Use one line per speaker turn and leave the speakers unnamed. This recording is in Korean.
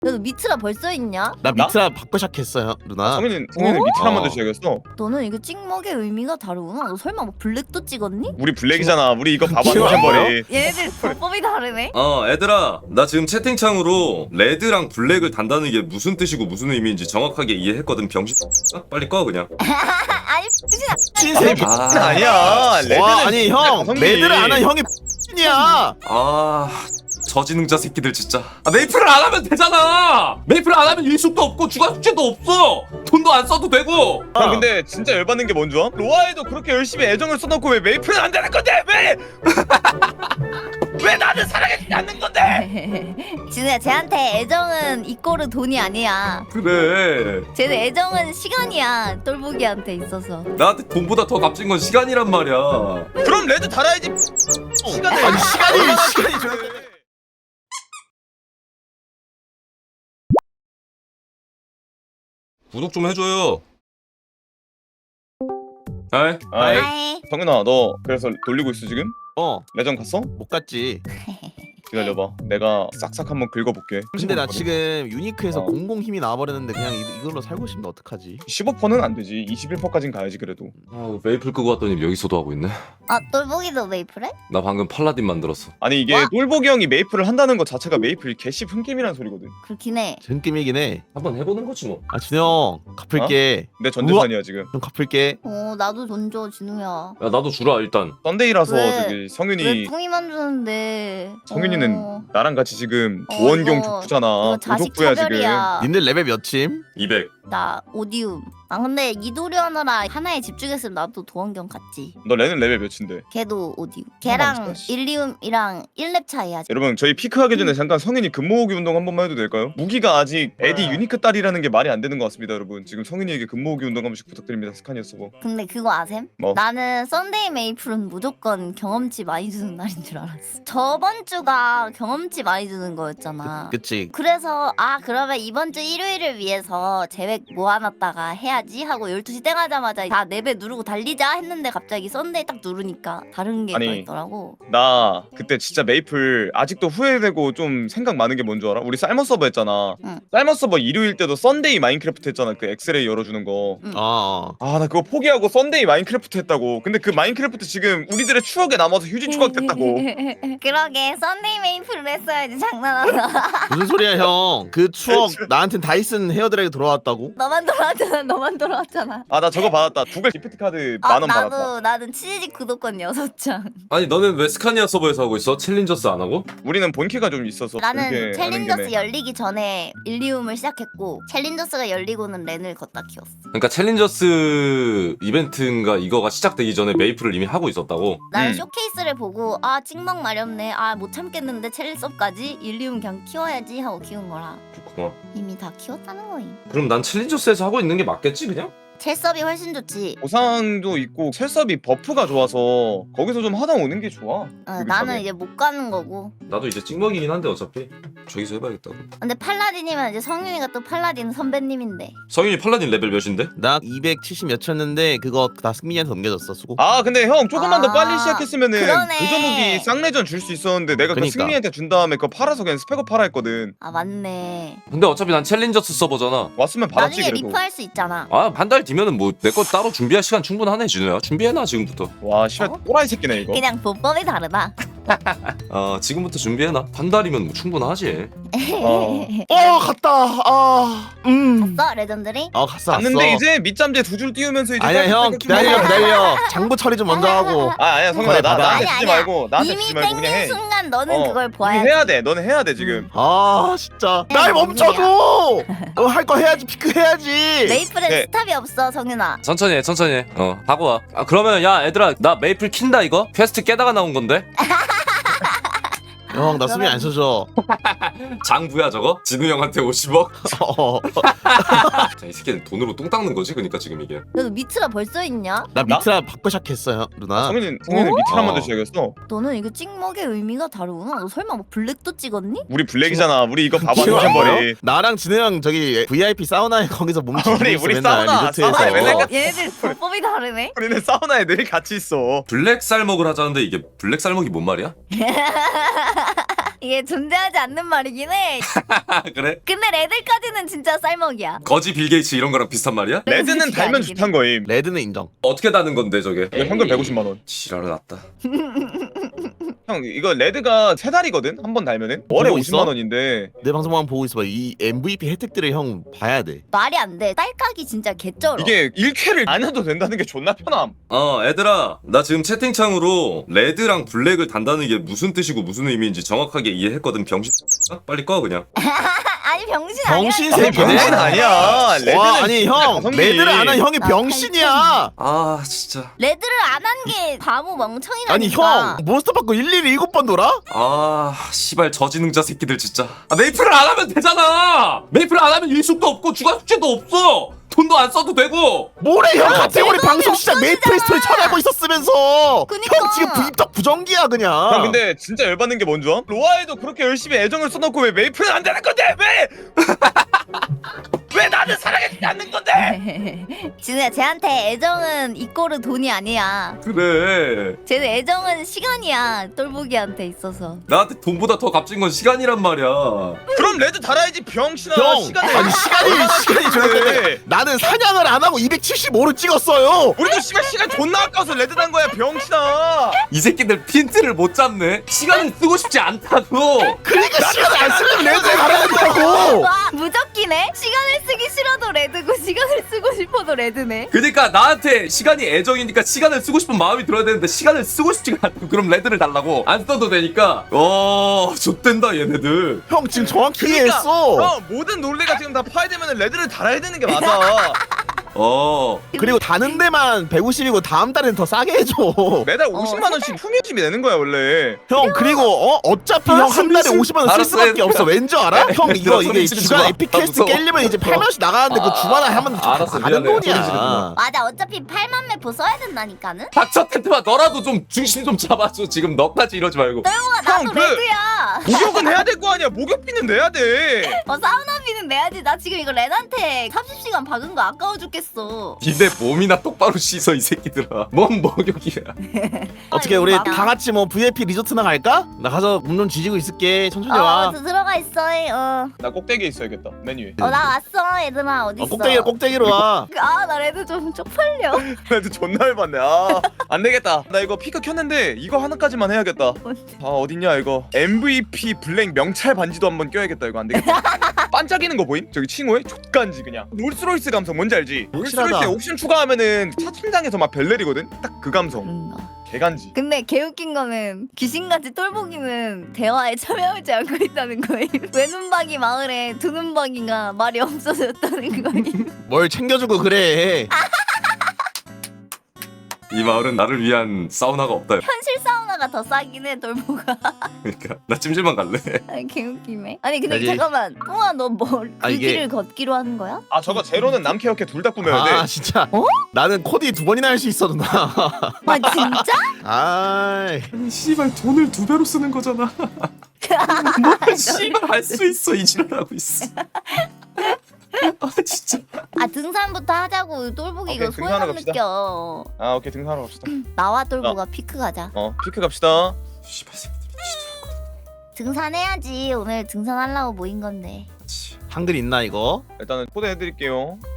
너도 미트라 벌써 있냐?
나 미트라 바꿔 시작했어요 누나.
성현이는 미트라 먼저 시작했어.
너는 이게 찍먹의 의미가 다르구나. 너 설마 뭐 블랙도 찍었니?
우리 블랙이잖아. 우리 이거 봐봐
기억 안
노션버리.
얘네들 불법이 다르네.
얘들아, 나 지금 채팅창으로 레드랑 블랙을 단다는 게 무슨 뜻이고 무슨 의미인지 정확하게 이해했거든. 병신. 빨리 꺼 그냥.
아니 그냥
신세계.
아니야. 레드는
와 아니 형
성민이.
레드를 안 한 형이 이야.
저지능자 새끼들 진짜. 메이플을 안 하면 되잖아. 메이플을 안 하면 일숙도 없고 주간 숙제도 없어. 돈도 안 써도 되고.
형 근데 진짜 열받는 게 뭔지 알아? 로아에도 그렇게 열심히 애정을 써놓고 왜 메이플은 안 되는 건데? 왜? 왜 나는 사랑해주지 않는 건데?
진우야 쟤한테 애정은 이꼬르 돈이 아니야.
그래.
쟤는 애정은 시간이야. 똘보기한테 있어서.
나한테 돈보다 더 값진 건 시간이란 말이야.
그럼 레드 달아야지. 시간을
아니 시간이 좀.
구독 좀 해줘요. 아이.
아이
아이.
성윤아 너 그래서 돌리고 있어 지금? 레전 갔어?
못 갔지.
기다려봐. 내가 싹싹 한번 긁어볼게.
근데 나 지금 유니크에서
어.
공공 힘이 나와버렸는데 그냥 이걸로 살고 싶은데 어떡하지?
15%는 안 되지. 21%까진 가야지 그래도.
메이플 끄고 왔더니 여기서도 하고 있네.
아 똘보기도 메이플해?
나 방금 팔라딘 만들었어.
아니 이게
와?
똘보기 형이 메이플을 한다는 것 자체가 메이플 개씨 흥김이라는 소리거든.
그렇긴 해.
전낌이긴 해.
한번 해보는 거지 뭐.
아 준영 갚을게.
내 전재산이야 지금.
좀 갚을게.
나도 돈 줘 진우야.
야 나도 주라 일단.
썬데이라서
왜?
저기
왜
성윤이
뿡이만 주는데?
성윤이는 나랑 같이 지금
어,
도원경
이거
족구잖아.
자식
도족부야 지금.
차별이야.
님들 레벨 몇침?
200.
나 오디움. 근데 이도리 하느라 하나에 집중했으면 나도 도원경 갔지.
너 레는 레벨 몇인데?
걔도 오디움. 걔랑
진짜.
일리움이랑 1렙 차이야.
여러분 저희 피크하기 전에 잠깐 성윤이 근모으기 운동 한 번만 해도 될까요? 무기가 아직 에디 유니크 딸이라는 게 말이 안 되는 것 같습니다 여러분. 지금 성윤이에게 근모으기 운동 한 번씩 부탁드립니다. 스카니어 서버.
근데 그거 아셈?
뭐?
나는 썬데이 메이플은 무조건 경험치 많이 주는 날인 줄 알았어. 저번 주가 경험치 많이 주는 거였잖아.
그치.
그래서 그러면 이번 주 일요일을 위해서 계획 모아놨다가 해야지 하고 12시 땡 하자마자 다 4배 누르고 달리자 했는데 갑자기 썬데이 딱 누르니까 다른 게
아니,
떠있더라고.
나 그때 진짜 메이플 아직도 후회되고 좀 생각 많은 게 뭔 줄 알아? 우리 쌀머 서버 했잖아.
응.
쌀머 서버 일요일 때도 썬데이 마인크래프트 했잖아. 그 엑스레이 열어주는 거.
어.
나 그거 포기하고 썬데이 마인크래프트 했다고. 근데 그 마인크래프트 지금 우리들의 추억에 남아서 휴지 추억됐다고.
그러게 썬데이 메이플을 했어야지 장난하나.
무슨 소리야 형? 그 추억 나한텐 다이슨 헤어드라이기 돌아왔다고?
너만 돌아왔잖아. 너만 돌아왔잖아.
나 저거 받았다. 구글 기프트 카드 10,000원 받았다.
나는 치즈직 구독권 6장.
아니 너는 왜 스카니아 서버에서 하고 있어? 챌린저스 안 하고?
우리는 본캐가 좀 있어서.
나는
본캐 하는
챌린저스
김에.
열리기 전에 일리움을 시작했고 챌린저스가 열리고는 렌을 걷다 키웠어.
그러니까 챌린저스 이벤트인가 이거가 시작되기 전에 메이플을 이미 하고 있었다고?
나는 쇼케이스를 보고 찍먹 마렵네. 못 참겠는데 챌린섭까지 일리움 그냥 키워야지 하고 키운 거라.
그렇구나.
이미 다 키웠다는 거임.
그럼 난 챌린저스에서 하고 있는 게 맞겠지 그냥?
첼섭이 훨씬 좋지.
보상도 있고 셀섭이 버프가 좋아서 거기서 좀 하다 오는 게 좋아.
나는 이제 못 가는 거고.
나도 이제 찍먹이긴 한데 어차피 저기서 해봐야겠다고.
근데 팔라딘이면 이제 성윤이가 또 팔라딘 선배님인데.
성윤이 팔라딘 레벨 몇인데?
나 270 몇쳤는데 그거 다 승민이한테 넘겨줬어 수고.
근데 형 조금만 더 빨리 시작했으면은
그러네.
도전무기 쌍내전 줄 수 있었는데 내가 그
그니까.
승민이한테 준 다음에 그거 팔아서 그냥 스펙업 팔아 했거든.
맞네.
근데 어차피 난 챌린저스 서버잖아.
왔으면 받았지
나중에
그래도.
리프할 수 있잖아.
한 달 뒤면은 뭐 내 거 따로 준비할 시간 충분하네 진우야. 준비해놔 지금부터.
와 씨발 또라이 새끼네 이거.
그냥 보법이 다르다.
지금부터 준비해놔. 한 달이면 뭐 충분하지.
갔다.
갔어 레전드리?
갔어.
갔는데 이제 밑잠재 두 줄 띄우면서 이제
아니야 형 기다려. 장부 처리 좀 먼저 하고.
아니야 성현아
그래, 받아.
나한테 주지 말고 나한테
이미
주지 말고 그냥 해.
땡긴 순간 너는 그걸
이미
봐야
해야 돼. 너는 해야 돼 지금.
진짜 날 멈춰줘. 할 거 해야지. 피크 해야지.
메이플엔
네.
스탑이 없어 성윤아.
천천히 해 천천히 해. 하고 와. 그러면 야 얘들아 나 메이플 킨다 이거? 퀘스트 깨다가 나온 건데?
형 나 수미 안 써줘.
장부야 저거? 진우 형한테 50억?
어.
자, 이 새끼는 돈으로 똥 닦는 거지 그러니까 지금 이게.
너도 미트라 벌써 있냐?
나 미트라 바꿔 시작했어요 누나.
성현이는 밑이랑 먼저 시작했어.
너는 이게 찍먹의 의미가 다르구나. 너 설마 뭐 블랙도 찍었니?
우리 블랙이잖아. 우리 이거 봐봐
기억 안
노션버리.
나요? 나랑 진우 형 저기 VIP 사우나에 거기서 몸
우리
지고 있어
우리
맨날
사우나에
리조트에서.
맨날
얘네들 불법이 다르네.
우리는 사우나에 늘 같이 있어.
블랙 쌀먹을 하자는데 이게 블랙 쌀먹이 뭔 말이야?
이게 존재하지 않는 말이긴 해.
그래?
근데 레드까지는 진짜 쌀먹이야.
거지 빌 게이츠 이런 거랑 비슷한 말이야?
레드는
솔직히
달면
아니긴
좋단 거임.
레드는 인정.
어떻게 다는 건데 저게?
이거 현금 150만 원.
지랄을 났다.
형 이거 레드가 세 달이거든. 한 번 달면은 월에
보고
50만
있어?
원인데.
내 방송만 보고 있어봐. 이 MVP 혜택들을 형 봐야 돼.
말이 안 돼. 딸깍이 진짜 개쩔어.
이게 1쾌를 안 해도 된다는 게 존나 편함.
얘들아, 나 지금 채팅창으로 레드랑 블랙을 단다는 게 무슨 뜻이고 무슨 의미인지 정확하게 이해했거든. 병신. 빨리 꺼 그냥.
아니 병신 아니야.
병신
아니,
새끼네.
병신 아니야. 레드는
와 아니
진짜
형
가성비.
레드를 안 한 형이
나
병신이야.
아 진짜.
레드를 안 한 게 바보 멍청이라니까.
아니 형 몬스터 받고 일일이 7번 돌아?
아 씨발 저지능자 새끼들 진짜. 메이플을 안 하면 되잖아. 메이플을 안 하면 일숙도 없고 주간 숙제도 없어. 돈도 안 써도 되고.
뭐래 형
아,
카테고리
제동이
방송 시작 메이플 스토리 쳐내고 있었으면서
그니까.
형 지금 부입덕 부정기야 그냥.
형 근데 진짜 열받는 게 뭔지 알아? 로아에도 그렇게 열심히 애정을 써놓고 왜 메이플은 안 되는 건데? 왜? 왜 나는 사랑해주지 않는 건데?
진우야 쟤한테 애정은 이꼬르 돈이 아니야.
그래.
쟤는 애정은 시간이야. 똘보기한테 있어서.
나한테 돈보다 더 값진 건 시간이란 말이야.
그럼 레드 달아야지 병신아.
형
시간을
아니 시간이 저랬는데 나는 사냥을 안 하고 275를 찍었어요.
우리도 씨발 시간 존나 아까워서 레드 단 거야 병신아.
이 새끼들 핀트를 못 잡네. 시간을 쓰고 싶지 않다고.
그러니까 시간을 안 쓰려면 레드에 갈아야 된다고.
와 무적기네. 시간을 쓰기 싫어도 레드고 시간을 쓰고 싶어도 레드네.
그러니까 나한테 시간이 애정이니까 시간을 쓰고 싶은 마음이 들어야 되는데 시간을 쓰고 싶지가 않다고. 그럼 레드를 달라고. 안 써도 되니까. 좆된다 얘네들.
형 지금 정확히
그러니까
이해했어.
모든 논리가 지금 다 파괴되면 레드를 달아야 되는 게 맞아.
그리고 다는 데만 150이고 다음 달엔 더 싸게 해줘.
매달 50만 원씩 품위집이 내는 거야 원래.
형 그리고 어차피 형 한 달에 50만 원 쓸
알았어,
수밖에
얘들아.
없어. 왠지 알아? 형 이거
소리
이게
지르지
주간
마.
에픽 퀘스트
무서워.
깰려면 이제 8만원씩 나가는데 그 주간에 하면
알았어,
다른
미안해. 소리 지르지
돈이야.
마.
맞아 어차피 8만 매포 써야 된다니까는.
닥쳐 텐트마 너라도 좀 중심 좀 잡아줘. 지금 너까지 이러지 말고.
똘보가 나도
형, 그-
레드야.
목욕은 해야 될 거 아니야. 목욕비는 내야 돼.
사우나비는 내야지. 나 지금 이거 렌한테 30시간 박은 거 아까워 죽겠어.
니네 몸이나 똑바로 씻어 이 새끼들아. 뭔 목욕이야.
어떻게 우리 다 같이 뭐 VIP 리조트나 갈까? 나 가서 문 좀 뒤지고 있을게. 천천히 와.
들어가 있어.
나 꼭대기에 있어야겠다. 맨 위에.
나 왔어. 얘들아 어디 있어?
꼭대기로 와.
나 레드 좀 쪽팔려.
그래도 존나 열받네. 안 되겠다. 나 이거 피크 켰는데 이거 하나까지만 해야겠다. 어딨냐 이거. MVP 블랙 명찰 반지도 한번 껴야겠다. 이거 안 되겠다. 반짝이는 거 보임? 저기 칭호에 족간지 그냥. 롤스로이스 감성 뭔지 알지? 롤스로이스에
확실하다.
옵션 추가하면은 차 팀장에서 막 벨 내리거든. 딱 그 감성. 개간지.
근데 개웃긴 거는 귀신같이 똘보기는 대화에 참여하지 않고 있다는 거임. 외눈박이 마을에 두눈박이가 말이 없어졌다는 거임.
뭘 챙겨주고 그래.
이 마을은 나를 위한 사우나가 없다.
현실 사우나가 더 싸긴 해 똘보가.
그러니까 나 찜질방 갈래.
아니 개웃기네. 아니 근데
아니,
잠깐만. 똥아 너 뭐 그
이게-
길을 걷기로 하는 거야?
저거 제로는 남캐 여캐 둘 다 꾸며야 돼.
아 진짜.
어?
나는 코디 2번이나 할 수 있어 누나.
아 진짜?
아이.
아니 씨발 돈을 2배로 쓰는 거잖아. 뭘 씨발 할 수 있어 이 지랄하고 있어. 아 진짜.
등산부터 하자고. 똘보기 이거
오케이, 등산하러
소용
갑시다.
느껴.
오케이 등산하러 갑시다.
나와 똘보가 피크 가자.
피크 갑시다.
씨발 새끼들 진짜.
등산해야지. 오늘 등산하려고 모인 건데.
한글 있나 이거?
일단은 초대해드릴게요.